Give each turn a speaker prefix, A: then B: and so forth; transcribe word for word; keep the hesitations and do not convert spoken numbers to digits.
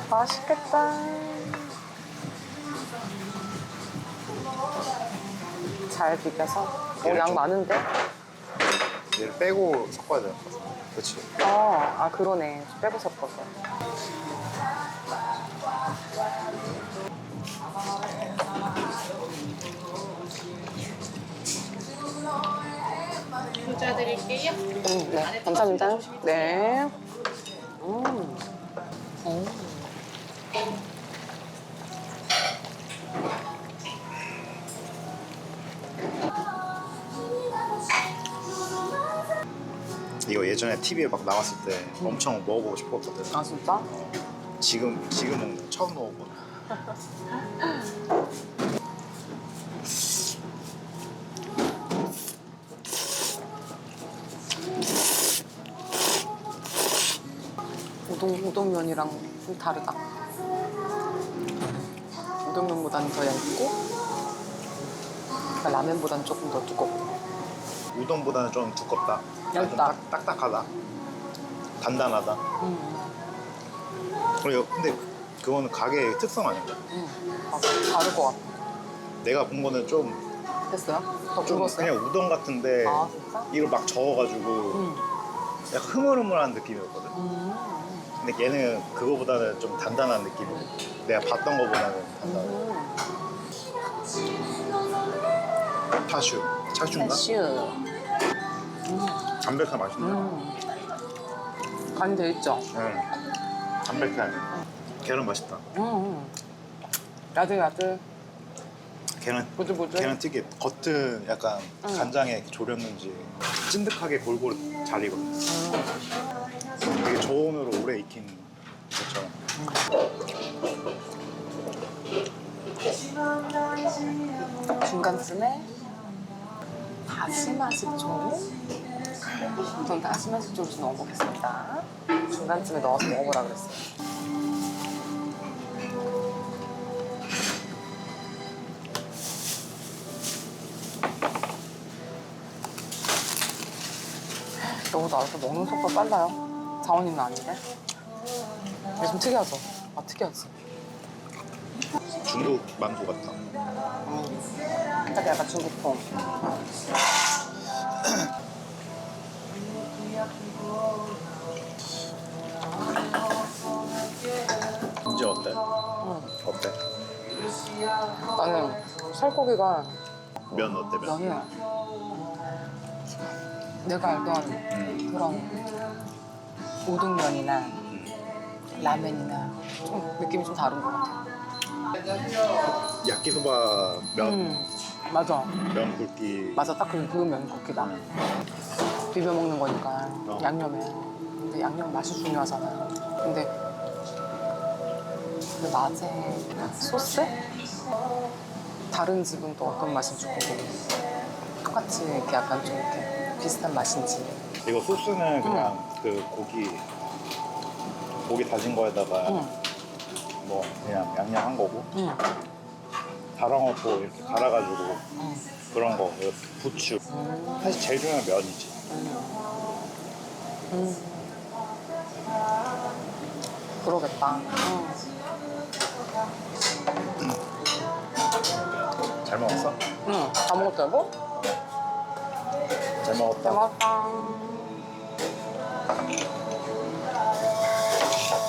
A: 맛있겠다. 잘 비벼서. 오,
B: 얘를
A: 양
B: 좀-
A: 많은데?
B: 얘를 빼고 섞어야 돼. 그렇지.
A: 어, 아, 그러네. 빼고 섞어서.
C: 모자 드릴게요.
A: 음, 네. 감사합니다. 네. 음. 음.
B: 이거 예전에 티비에 막 나왔을 때 엄청 먹어보고 싶었거든.
A: 아, 진짜?
B: 지금 지금은 처음 먹어보네.
A: 우동, 우동면이랑 좀 다르다. 우동면보다는 더 얇고, 라면보다는 조금 더 두껍고.
B: 우동보다는 좀 두껍다.
A: 얇다.
B: 좀 딱, 딱딱하다. 단단하다.
A: 음,
B: 그리고 근데 그거는 가게의 특성 아닌가?
A: 음. 아, 다를 것 같아.
B: 내가 본 거는 좀,
A: 됐어요? 더
B: 좀
A: 굵었어요?
B: 그냥 우동 같은데
A: 아, 진짜?
B: 이걸 막 저어가지고
A: 음.
B: 약간 흐물흐물한 느낌이었거든.
A: 음.
B: 근데 얘는 그거보다는 좀 단단한 느낌이야. 내가 봤던 거보다는 단단해.
A: 음.
B: 차슈. 차슈인가?
A: 캐슈.
B: 담백한 맛있네.
A: 음. 간이 돼 있죠?
B: 응. 담백한. 계란 맛있다.
A: 음. 야들야들.
B: 계란,
A: 보들보들.
B: 계란 튀김. 겉은 약간
A: 응.
B: 간장에 이렇게 졸였는지 찐득하게 골고루 잘 익어.
A: 음.
B: 되게 저온으로 오래 익힌 것처럼.
A: 중간쯤에 다시마 식초. 전 다시마 식초를 좀 넣어보겠습니다. 중간쯤에 넣어서 먹어보라 그랬어요. 너무 나와서 먹는 속도가 빨라요. 자원이는 아닌데. 이게 좀 특이하죠? 아, 특이하지.
B: 중국 만두 같다.
A: 음. 딱 약간 중국풍.
B: 이제 어때?
A: 음.
B: 어때?
A: 나는 살코기가
B: 면 어때? 면?
A: 면이 내가 알던
B: 음.
A: 그런 우동면이나 라면이나 좀 느낌이 좀 다른 것 같아.
B: 야끼소바 면,
A: 음, 맞아.
B: 면 굵기.
A: 맞아, 딱 그 면 굵기다. 비벼 먹는 거니까
B: 어.
A: 양념에. 근데 양념 맛이 중요하잖아. 근데 그 낮에 소스? 다른 집은 또 어떤 맛인지 궁금해. 똑같이 이렇게 약간 좀 이렇게 비슷한 맛인지.
B: 이거 소스는 그냥 그 고기 고기 다진 거에다가
A: 응,
B: 뭐 그냥 양념한 거고
A: 응,
B: 달아먹고 이렇게 갈아가지고
A: 응.
B: 그런 거 그리고 부추.
A: 음.
B: 사실 제일 중요한 면이지.
A: 음. 그러겠다. 음.
B: 잘 먹었어?
A: 응, 다 먹었다, 여보?
B: 잘 먹었다.
A: 잘 먹었다.